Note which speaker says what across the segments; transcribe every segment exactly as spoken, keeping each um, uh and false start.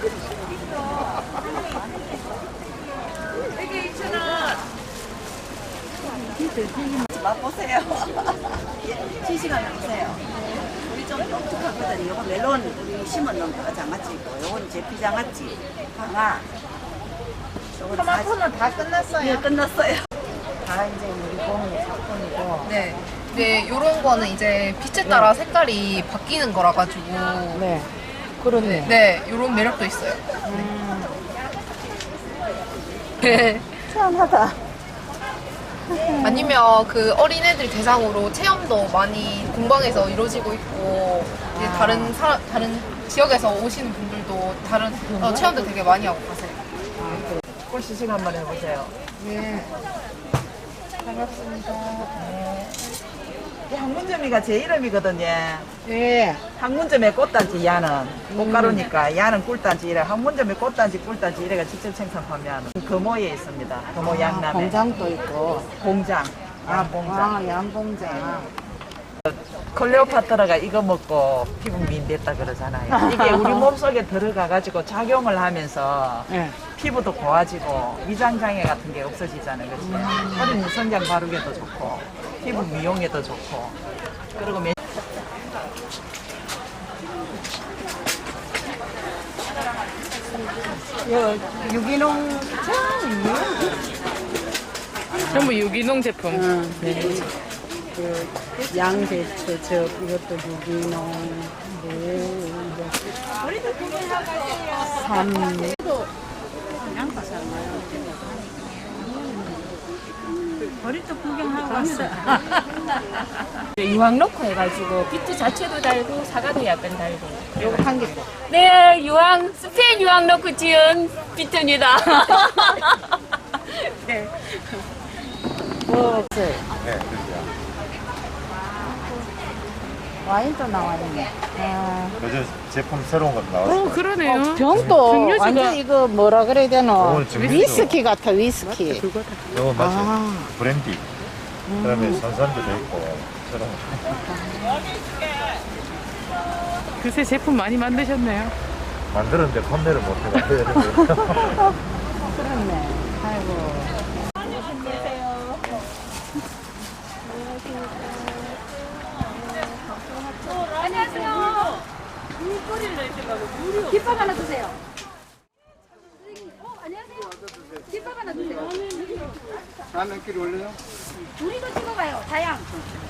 Speaker 1: 이게 이천 원. 맛보세요. 시식한 보세요. 우리 좀 독특하거든요. 이거 멜론 우리 심은 거 장아찌고, 요건 제피 장아찌, 방아. 요건
Speaker 2: 토마토는 다 끝났어요.
Speaker 1: 예, 끝났어요.
Speaker 2: 다 이제 우리 공의 작품이고.
Speaker 3: 네. 네, 요런 거는 이제 빛에 따라 색깔이 바뀌는 거라 가지고
Speaker 2: 네. 그렇네.
Speaker 3: 네, 요런 매력도 있어요.
Speaker 2: 음.
Speaker 3: 네.
Speaker 2: 시원하다.
Speaker 3: 아니면 그 어린애들 대상으로 체험도 많이 공방에서 이루어지고 있고 이제
Speaker 2: 아.
Speaker 3: 다른 사, 다른 지역에서 오시는 분들도 다른 어, 체험도 되게 많이 하고 가세요.
Speaker 1: 꿀 시식 한번 해보세요.
Speaker 2: 네. 반갑습니다.
Speaker 1: 이 항문점이가 제 이름이거든요.
Speaker 2: 네.
Speaker 1: 항문점의 꽃단지 야는 꽃가루니까 야는 꿀단지 이래 항문점의 꽃단지 꿀단지 이래가 직접 생산 판매하는 금호에 있습니다. 금호
Speaker 2: 아,
Speaker 1: 양남에
Speaker 2: 공장도 있고.
Speaker 1: 공장 양공장.
Speaker 2: 아, 양공장.
Speaker 1: 클레오파트라가 이거 먹고 피부 미인됐다 그러잖아요. 이게 우리 몸속에 들어가가지고 작용을 하면서
Speaker 2: 네.
Speaker 1: 피부도 고와지고 위장장애 같은 게 없어지잖아요. 그렇지?
Speaker 2: 음.
Speaker 1: 어린 성장 바르게도 좋고 피부 미용에도 좋고 그리고 매...
Speaker 2: 요 유기농
Speaker 4: 전부 유기농 제품.
Speaker 2: 응, 네. 그 양배추, 저 이것도 유기농, 무, 삼.
Speaker 5: 머리도 구경하고 왔어요. 유황 넣고 해가지고 비트 자체도 달고 사과도 약간 달고.
Speaker 2: 요거 한 개.
Speaker 5: 네, 유황 스페인 유황 넣고 지은 비트입니다. 네.
Speaker 2: 뭐,
Speaker 6: 네, 그렇죠.
Speaker 2: 와인도 나왔네. 아.
Speaker 6: 요즘 제품 새로운 것도 나왔어요.
Speaker 4: 어, 그러네요.
Speaker 2: 병도
Speaker 4: 증류주가-
Speaker 2: 완전 이거 뭐라 그래야 되노?
Speaker 6: 이거는 증류주.
Speaker 2: 위스키 같아, 위스키.
Speaker 6: 이거 맞아요.
Speaker 2: 아.
Speaker 6: 브랜디. 그다음에 선선도 돼 있고 새로운 거.
Speaker 4: 그새 제품 많이 만드셨네요.
Speaker 6: 만들었는데 판매를 못 해가지고.
Speaker 2: 그렇네. 아이고.
Speaker 5: 안녕하세요. 김밥 하나 주세요. 어, 안녕하세요. 김밥 하나 주세요.
Speaker 7: 라면 끼리 올려요?
Speaker 5: 우리도 찍어봐요. 다양.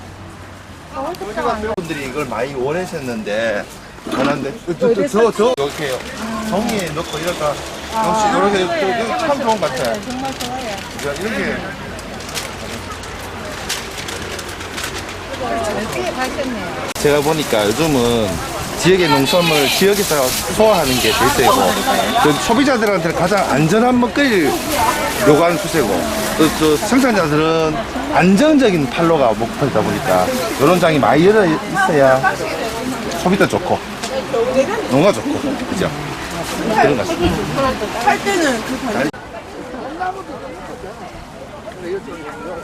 Speaker 7: 분들이 이걸 많이 원하셨는데 원하는데 저저 이렇게 종이에 넣고 이렇게 역시 이렇게 이거 참 좋은 것 같아.
Speaker 2: 정말 좋아요.
Speaker 7: 이렇게
Speaker 2: 꽤 가셨네요.
Speaker 7: 제가 보니까 요즘은 지역의 농산물 지역에서 소화하는 게 대세고 그 소비자들한테는 가장 안전한 먹거리를 요구하는 추세고 또, 또 생산자들은 안정적인 판로가 목표이다 보니까 이런 장이 많이 열려 있어야 소비도 좋고 농가 좋고 그죠? 그런 것 같습니다.
Speaker 1: 할 때는 그